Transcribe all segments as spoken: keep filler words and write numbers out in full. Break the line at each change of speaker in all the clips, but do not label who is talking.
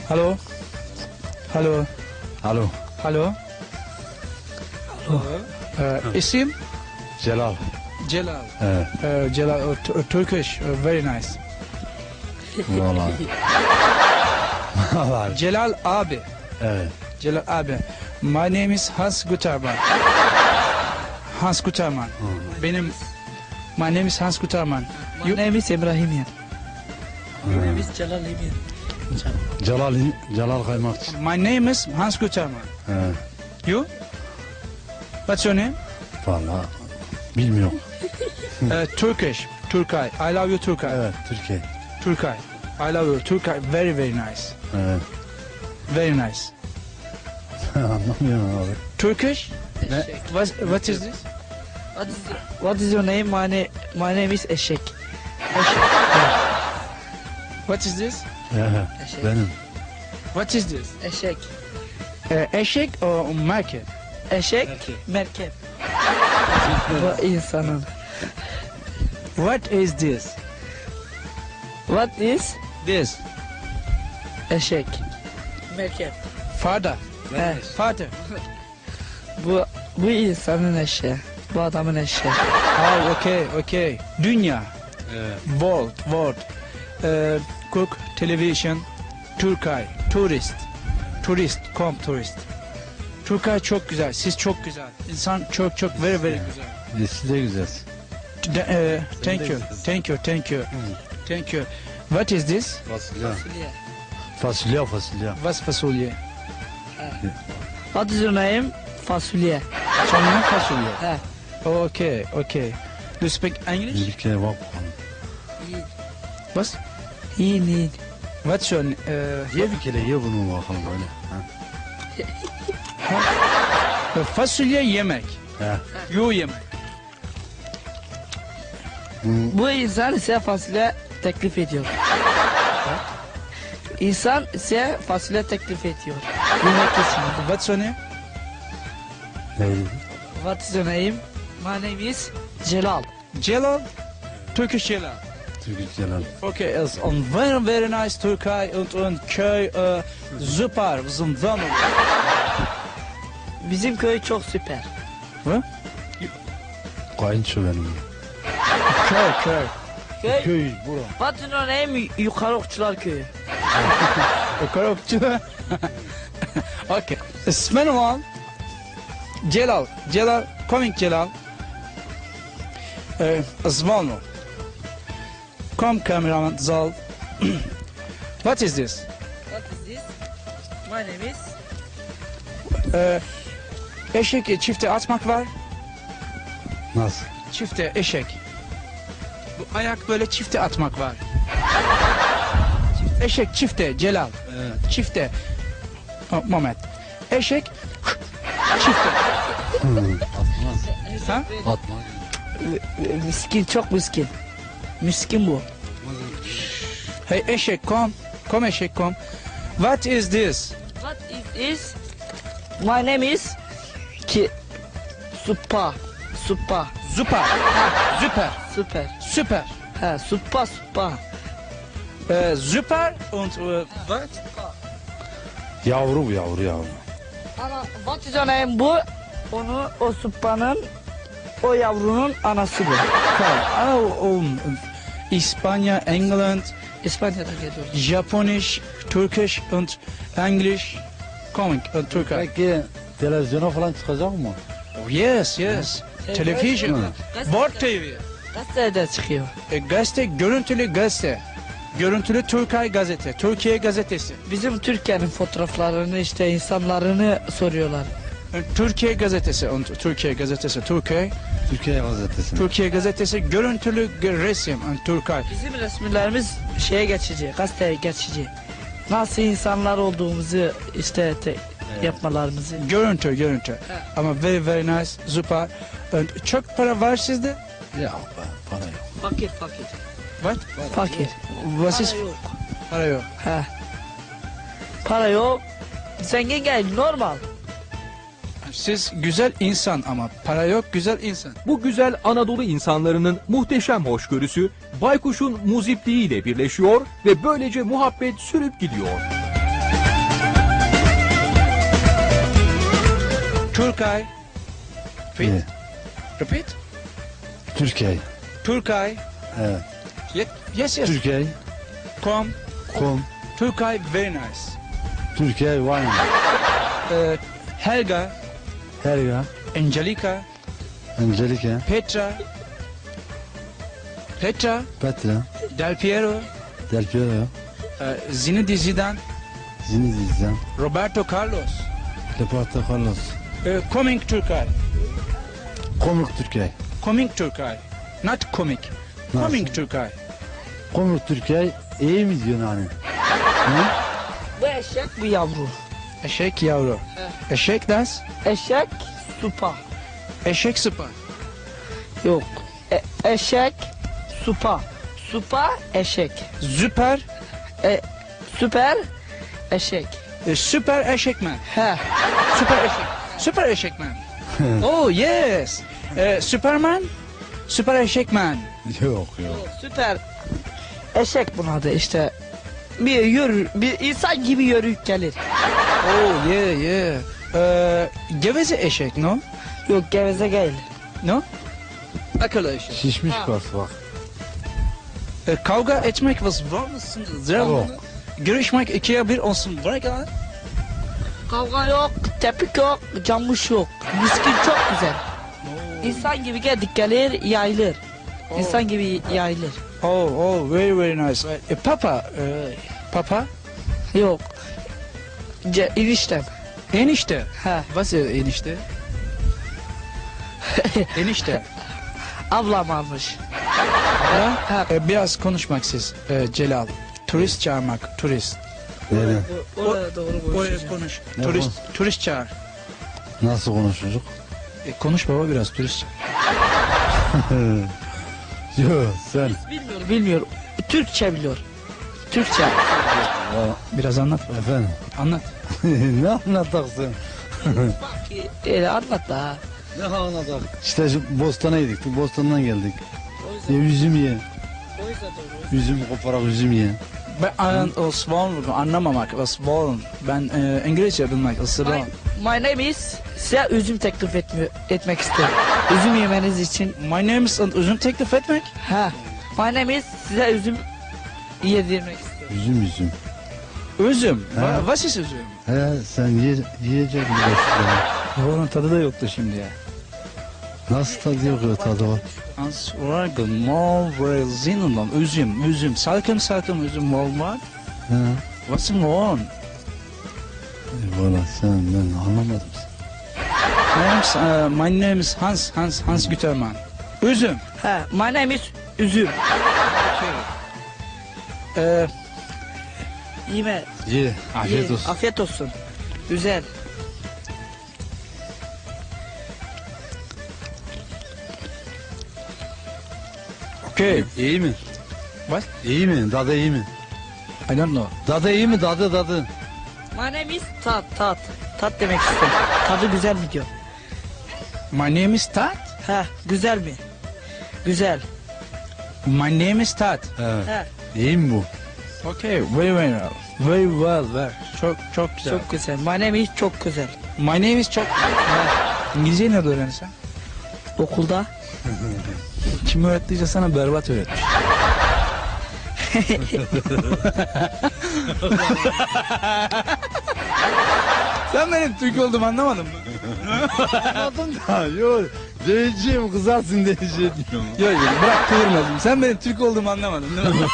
Hallo. Hallo.
Hallo.
Hallo. Hallo. Uh, isim?
Celal.
Celal.
Evet.
Uh, Celal, uh, t- Turkish, uh, very nice.
Vallahi. Vallahi.
Celal abi.
Evet.
Celal abi. My name is Hans Guterman. Hans Guterman. Benim My name is Hans Guterman.
My
You-
name is Ibrahimian. Your name is Jalal Imian.
Celal, Celal Kaymakçı.
My name is Hans Guterman.
Evet.
You? What's your name?
Vallahi. Bilmiyorum.
Uh, Turkish. Turkay. I love you Turkay.
Evet. Türkiye.
Turkay. I love you Turkay. Very very nice.
Evet.
Very nice.
Anlamıyorum abi.
Turkish?
Ne?
What, what is this?
What is, what is your name? My, na my name is Eşek.
What is this?
Evet.
Eşek.
Benim.
What is this?
Eşek.
Uh, eşek or market?
Eşek. Merkep. Bu insanın.
What is this?
What is
This.
eşek? Merkep.
Father.
He,
Father.
bu bu insanın eşeği. Bu adamın eşeği.
Oh, okay, okay. Dünya.
Evet.
World, world. Uh, cook, television, Turkay, tourist. Turist, come tourist. Turkay çok güzel, siz çok güzel. İnsan çok çok very very güzel.
E, siz de güzelsiniz.
De- uh, thank you, thank you, thank you, thank you. What is this?
Fasulye.
Fasulye.
Fasulye, fasulye.
Was fasulye?
What is your name? Fasulye.
Sonra fasulye.
He.
Okay, okay. Do you speak English?
Bir kere bak bakalım.
What?
İyi iyi.
What's your uh,
Ye bir kere ye bunu bakalım böyle. Ha.
uh, fasulye yemek.
He.
Yu yemek.
Bu insan size fasulye teklif ediyor. İnsan size fasulye teklif ediyor. Yemek için.
What's your name?
Neydi?
What is your name? My name is Celal.
Celal. Turkish Celal.
Türkiye Celal.
Okay, it's on very very nice Türkei und und köy uh, super, wir sind zusammen.
Bizim köy çok süper.
Hı?
Kayınço benim.
Köy köy.
Köy.
Köy bura.
What is your name? Yukarı Okçular Köyü.
Korokçu. Okay. İsmim var. Celal. Celal. Coming Celal. Uh, Zvano. Come cameraman Zal. What is this?
What is this? My name is...
Uh, eşek çifte atmak var.
Nasıl?
Çifte eşek. Bu ayak böyle çifte atmak var. Eşek çifte Celal.
Evet.
Çifte. Oh, moment. Eşek çifte.
Atmaz.
Ha?
Atmaz.
Miskin, çok miskin. Miskin bu.
Hey eşek kom. Kom eşek kom. What is this?
What is this? My name is... Ki... Supa. Supa.
Zupa. Süper.
Süper.
Süper.
Ha, supa supa.
Äh, super und äh, what?
Yavru bu yavru yavru.
Ana, what is your name? Bu, onu, o supanın, o yavrunun anası bu.
Oh, um, İspanya, England,
İspanya'dan geliyor.
Japonisch, Türkisch und English. Coming uh, Türkei.
Peki televizyona falan çıkacak mı?
Oh, yes, yes. Television. Wort T V.
Gazetede çıkıyor.
E, gazete, görüntülü gazete. Görüntülü Türkay gazete. Türkiye gazetesi.
Bizim Türkiye'nin fotoğraflarını işte insanlarını soruyorlar.
E, Türkiye gazetesi. Und Türkiye gazetesi. Türkiye.
Türkiye gazetesi.
Türkiye gazetesi. Görüntülü g- resim. Und Türkay.
Bizim resimlerimiz şeye geçici, gazeteye geçici. Nasıl insanlar olduğumuzu işte te- yapmalarımızı.
Görüntü, görüntü. Ama very very nice. Super. Und çok para var sizde?
Ya be, para yok.
Fakir fakir.
What?
Fakir.
Was ist?
Para yok.
Para yok.
He. Para yok. Zengin gel normal.
Siz güzel insan ama para yok güzel insan.
Bu güzel Anadolu insanlarının muhteşem hoşgörüsü Baykuş'un muzipliğiyle birleşiyor ve böylece muhabbet sürüp gidiyor.
Turkey. Repeat.
Yeah.
Repeat.
Türkiye.
Turkey.
Evet.
Ye- Yes, yes.
Türkiye.
Come.
Kom.
Turkey, very nice.
Türkiye. Wine.
Uh, Helga,
Helga.
Angelica,
Angelica.
Petra, Petra,
Petra.
Del Piero,
Del Piero.
uh, Zinedine Zidane,
Zinedine.
Roberto Carlos.
Leporto Carlos.
Uh, coming Turkey.
Komik Türkiye.
Coming Turkey. Not comic.
Nasıl?
Coming Turkey.
Komik Türkiye. İyi mi diyorsun hani?
Bu eşek bu yavru.
Eşek yavru. Eşek das.
Eşek supa.
Eşek sıpa.
Yok. E- eşek supa. Supa eşek.
Süper.
E, süper eşek.
e, Süper eşekmen.
He.
Süper eşek. Süper eşekmen. Oh yes. Uh, Superman. Süper eşekmen.
Yok yok.
Süper eşek bunun adı işte. Bir yürü, bir insan gibi yürüyüp gelir.
Oh yeah yeah. Uh, geveze eşek no?
Yok geveze değil.
No? Akıllı eşek.
Şişmiş kas bak.
E, kavga etmek var mısın?
Yok.
Görüşmek ikiye bir olsun. Bırak ya.
Kavga yok, tepik yok, camış yok. Miskin çok güzel. İnsan gibi geldik gelir, yayılır. İnsan gibi yayılır.
Oh oh very very nice. E, papa. E, papa.
Yok. Ce, eniştem.
Enişte.
He.
Was ist enişte? Enişte.
Ablam almış.
Ha?
Ha.
E, biraz konuşmak siz. E, Celal. Turist çağırmak. Turist.
Nereden?
Oraya doğru
Oraya konuş.
Ne
Turist, turist çağır.
Nasıl konuşuyoruz?
E, konuş baba biraz turist çağır.
Yok sen.
Bilmiyor, bilmiyor. Türkçe biliyor. Türkçe.
Biraz anlat baba.
Efendim.
Anlat.
Ne anlatacaksın?
Öyle anlat da.
Ne anlatak? İşte şu bostana yedik. Bostandan geldik.
O
Ya üzüm ye.
o yüzden doğru.
Üzüm koparak üzüm ye.
Ben an, o wollen anlamamak. Was wollen. Ben e, İngilizce bilmek. Isırım.
My, my name is size üzüm teklif etmiyor, etmek istiyorum. Üzüm yemeniz için.
My name is üzüm teklif etmek.
Ha. My name is size üzüm yedirmek istiyorum.
Üzüm üzüm.
Üzüm.
Ha.
Va- Was ist üzüm?
He sen ye, yiyecek biraz.
Onun tadı da yoktu şimdi ya.
Nasıl tadı yok ya tadı var.
Hans Organ, Malvray, Zinundan, üzüm, üzüm, salkım salkım üzüm var.
He.
What's on?
Valla sen ben anlamadım.
My name is, uh, my name is Hans, Hans, Hans Gütermann. Üzüm.
Ha. My name is üzüm.
Ee,
Yeme.
Ye. Afiyet
ye.
olsun.
Afiyet olsun. Güzel.
okay.
İyi mi?
What?
İyi mi? Tadı iyi mi?
I don't know.
Tadı iyi mi? Tadı tadı.
My name is tat tat. Tat demek istiyorum. Tadı güzel mi diyor.
My name is Tat.
Ha. Güzel mi? Güzel.
My name is Tat.
Evet.
Ha.
İyi mi bu?
Okay, very very well. Very well, very. Çok çok güzel.
Çok güzel. My name is çok güzel.
My name is çok. İngilizceyi nerede öğrendin
Okulda.
Kim öğrettiyse sana berbat öğretmiş. Sen benim Türk olduğumu anlamadın mı?
Anladım da yok. Diyeceğim kızarsın diyeceğim.
Yok yok bırak kıvırmadım. Sen benim Türk olduğumu anlamadın değil mi?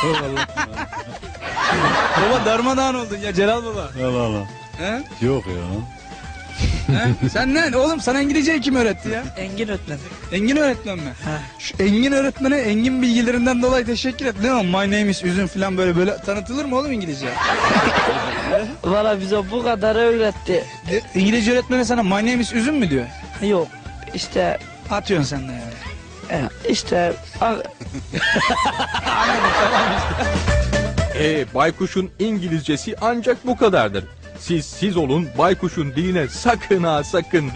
Baba darmadağın oldun ya Celal baba.
Allah Allah.
He?
Yok ya.
He? Sen ne? Oğlum sana İngilizceyi kim öğretti ya?
Engin öğretmen.
Engin öğretmen mi?
Ha.
Şu Engin öğretmene Engin bilgilerinden dolayı teşekkür et. Ne o? My name is üzüm falan böyle böyle tanıtılır mı oğlum İngilizce?
Valla bize bu kadar öğretti.
De- İngilizce öğretmene sana my name is üzüm mü diyor?
Yok. İşte
Atıyorsun sen de yani.
e, işte a-
E, baykuşun İngilizcesi ancak bu kadardır. Siz siz olun, baykuşun diline sakın ha sakın